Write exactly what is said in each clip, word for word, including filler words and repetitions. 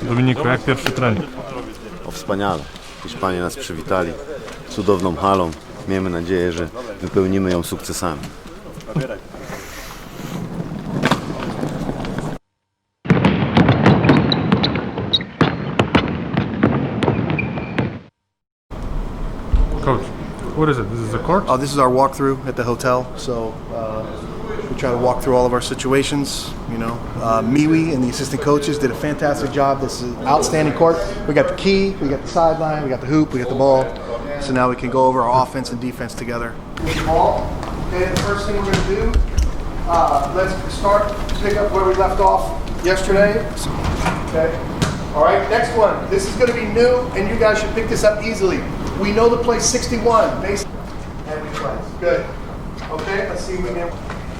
Dominiku, jak pierwszy trening? O, wspaniale. Hiszpanie nas przywitali cudowną halą. Miejmy nadzieję, że wypełnimy ją sukcesami. Coach, what is it? This is a court? Uh, this is our walkthrough at the hotel. So uh, we try to walk through all of our situations. You know, uh, Miwi and the assistant coaches did a fantastic job. This is an outstanding court. We got the key, we got the sideline, we got the hoop, we got the ball. So now we can go over our offense and defense together. Ball. Okay, the first thing we're going to do, uh, let's start to pick up where we left off yesterday. Okay. All right, next one. This is going to be new, and you guys should pick this up easily. We know the play sixty-one, base and we play. Good. Okay, let's see if we can.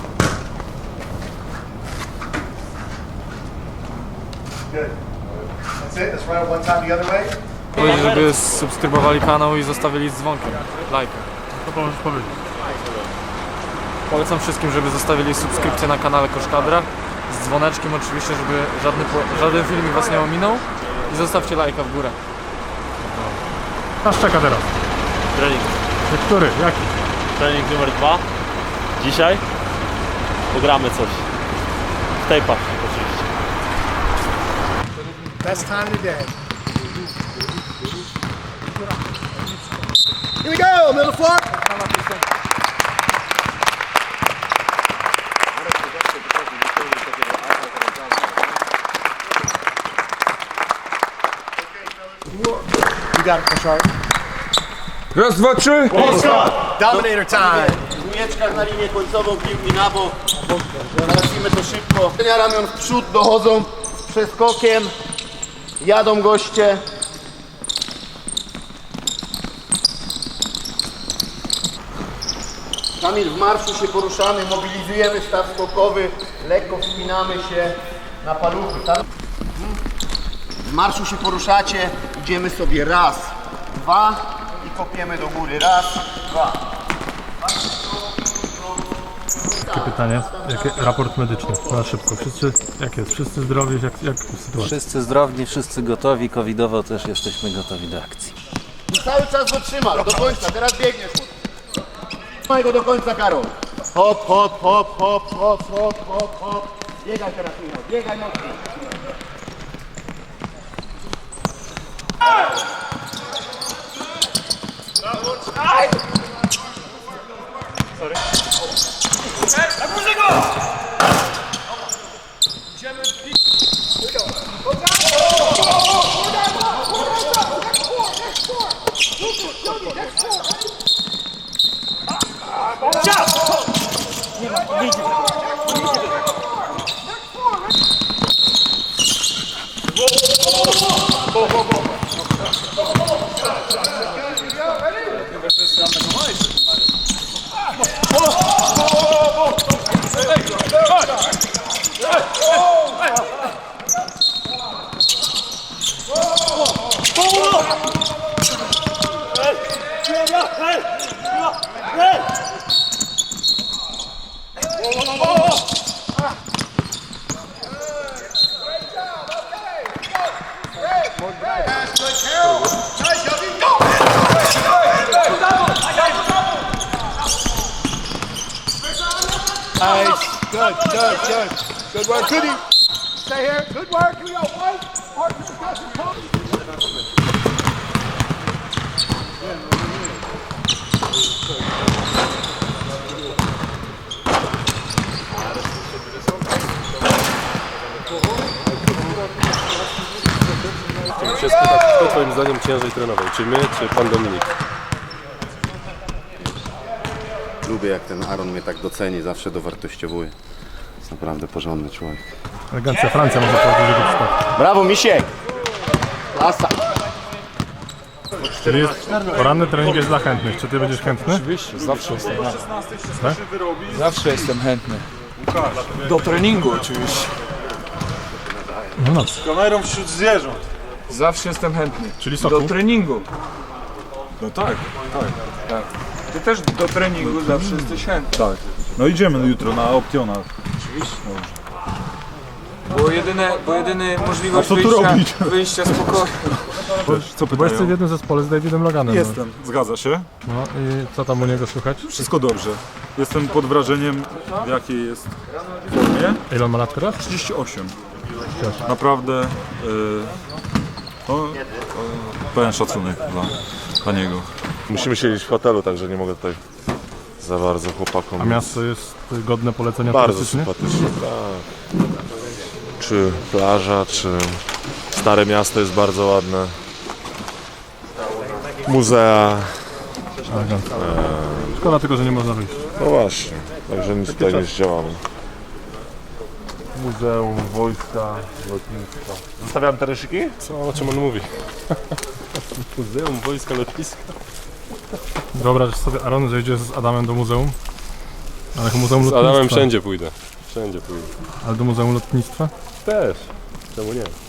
Good. That's it. Let's run it one time the other way. Powiedzieć, żeby subskrybowali kanał i zostawili z dzwonkiem, lajka. Co możesz powiedzieć? Polecam wszystkim, żeby zostawili subskrypcję na kanale Koszkadra z dzwoneczkiem oczywiście, żeby żadny, żaden filmik was nie ominął i zostawcie lajka w górę. Nas czeka teraz. Trening. Który? Jaki? Trening numer dwa. Dzisiaj pogramy coś. W tape'ach oczywiście. Best time of the day. Here we go, middle floor. You got it, Koszar. Raz, dwa, trzy! Dominator time. Dwójeczka na linię końcową, piłki na bok. Załatwimy to szybko. Ramion w przód, dochodzą z przeskokiem. Jadą goście. Kamil, w marszu się poruszamy, mobilizujemy staw skokowy, lekko wspinamy się na paluchy. Tam... W marszu się poruszacie, idziemy sobie raz, dwa i kopiemy do góry. Raz, dwa. Takie pytanie. Jaki raport medyczny? Na szybko. Wszyscy, jak jest? Wszyscy zdrowi? Jak, jak sytuacja? Wszyscy zdrowi, wszyscy gotowi, covidowo też jesteśmy gotowi do akcji. I cały czas go trzymasz, do końca, teraz biegniesz. Trzymaj go do końca, Karol. Hop, hop, hop, hop, hop, hop, hop, hop. Biegaj teraz, Michał, biegaj mocno. Nice. Good, good, good. Good work. Goody. Stay here. Good work. Here we go. One. Partner discussion. Chciałbym się spytać, kto twoim zdaniem ciężej trenował? Czy my, czy pan Dominik? Lubię, jak ten Aaron mnie tak doceni, zawsze dowartościowuje. Jest naprawdę porządny człowiek. Elegancja Francja może powiedzieć, że go przypadku. Brawo, Misiek! Klasa! Czyli jest, poranny trening jest dla chętnych. Czy ty będziesz chętny? Oczywiście, zawsze jestem. Tak? Zawsze jestem chętny. Do treningu oczywiście. No, no. Kamerą wśród zwierząt. Zawsze jestem chętny. Czyli soku? Do treningu. No tak, tak, tak. Ty też do treningu zawsze jesteś chętny. Tak. No idziemy jutro na Optiona. Oczywiście. Bo jedyne, bo jedyny możliwość A co tu wyjścia, robić? wyjścia z pokoju. Wiesz, co Bo jesteś w pytają? jednym zespole z Davidem Loganem. no. Jestem, zgadza się. No i co tam u niego słychać? Wszystko dobrze. Jestem pod wrażeniem, w jakiej jest formie. Ile on ma lat teraz? trzydzieści osiem. Naprawdę yy, to, yy, pełen szacunek dla, dla niego. Musimy siedzieć w hotelu, także nie mogę tutaj za bardzo chłopakom. A miasto jest godne polecenia bardzo turystycznie? sympatyczne, tak. Czy plaża, czy Stare Miasto jest bardzo ładne. Muzea. Szkoda tylko, że nie można wyjść. No właśnie, także nic tutaj nie zdziałamy. Muzeum, wojska, lotnictwa. Zostawiam te ryszyki? Co, o czym on mówi? Muzeum, wojska, lotniska. Wyobraź sobie, Aaron, że idzie z Adamem do muzeum. Ale muzeum Z lotnictwa. Adamem wszędzie pójdę. Wszędzie pójdę. Ale do muzeum lotnictwa? Też. Czemu nie?